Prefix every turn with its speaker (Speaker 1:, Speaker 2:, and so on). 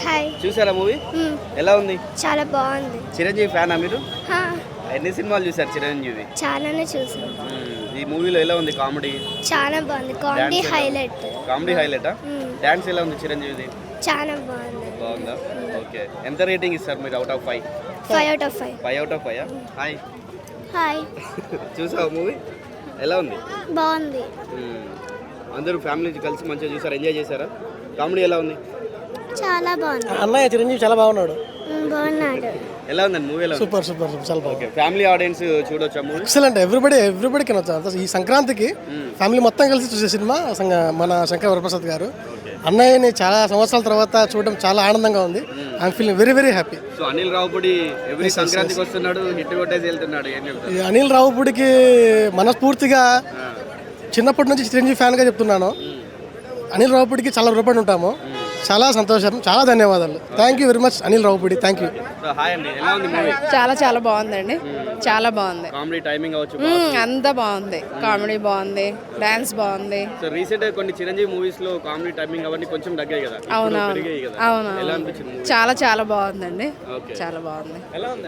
Speaker 1: Hi.
Speaker 2: చూసారా movie? ఎలా ఉంది?
Speaker 1: చాలా బాగుంది.
Speaker 2: చిరంజీవి ఫ్యానా మీరు?
Speaker 1: హా,
Speaker 2: ఎన్ని సినిమాలు చూసారు చిరంజీవి?
Speaker 1: చాలానే చూసాను.
Speaker 2: ఈ మూవీలో ఎలా ఉంది కామెడీ?
Speaker 1: చాలా బాగుంది. కామెడీ
Speaker 2: Dance ఎలా?
Speaker 1: హైలైట్.
Speaker 2: కామెడీ హైలైటా? డాన్స్ ఎలా ఉంది చిరంజీవిది?
Speaker 1: చాలా బాగుంది.
Speaker 2: బాగుందా? ఓకే. ఎంత రేటింగ్ ఇస్తారు మీరు out of 5?
Speaker 1: 5 out of 5.
Speaker 2: 5 out of 5? Hi.
Speaker 1: Hi.
Speaker 2: చూసావా మూవీ? ఎలా ఉంది?
Speaker 1: బాగుంది.
Speaker 2: అందరూ ఫ్యామిలీ కలిసి మంచిగా చూసారు, ఎంజాయ్ చేశారా? కామెడీ ఎలా ఉంది?
Speaker 1: చాలా బాగుంది.
Speaker 3: అన్నయ్య చిరంజీవి చాలా బాగున్నాడు.
Speaker 1: బాగున్నాడు.
Speaker 2: ఎలా ఉందండి మూవీ? ఎలా ఉంది?
Speaker 3: సూపర్ సూపర్ చాలా బాగుంది.
Speaker 2: ఓకే. ఫ్యామిలీ ఆడియన్స్ చూడొచ్చా మూవీ?
Speaker 3: ఎక్సలెంట్. ఎవ్రీబడి కెనొచ్చు. ఈ సంక్రాంతికి ఫ్యామిలీ మొత్తం కలిసి చూసే సినిమా మన శంకర్ వరప్రసాద్ గారు. అన్నయ్యని చాలా సంవత్సరాల తర్వాత చూడడం చాలా ఆనందంగా ఉంది. I'm feeling very very happy.
Speaker 2: So Anil Ravipudi every సంక్రాంతికి వస్తున్నాడు, హిట్ కొట్టేసి వెళ్తున్నాడు. ఏం చెప్తారు?
Speaker 3: ఈ అనిల్ రావుపూడికి మనస్ఫూర్తిగా చిన్నప్పటి నుంచి చిరంజీవి ఫ్యాన్గా చెప్తున్నాను. అనిల్ రావుపూడికి చాలా రుణపడి ఉంటాము. చాలా సంతోషం, చాలా ధన్యవాదాలు. Thank you very much Anil Ravipudi. Thank you.
Speaker 2: So hi అండి, ఎలా ఉంది మూవీ?
Speaker 4: చాలా బాగుందండి. చాలా బాగుంది.
Speaker 2: కామెడీ టైమింగ్ అవచ్చు.
Speaker 4: అంతా బాగుంది. కామెడీ బాగుంది, డాన్స్ బాగుంది.
Speaker 2: సో రీసెంట్ గా కొన్ని చిరంజీవి మూవీస్ లో కామెడీ టైమింగ్ అవన్నీ కొంచెం తగ్గాయి కదా,
Speaker 4: అవునవును.
Speaker 2: పెరిగాయి కదా.
Speaker 4: అవును.
Speaker 2: ఎలా అనిపించింది?
Speaker 4: చాలా బాగుందండి. చాలా బాగుంది.
Speaker 2: ఎలా ఉంది?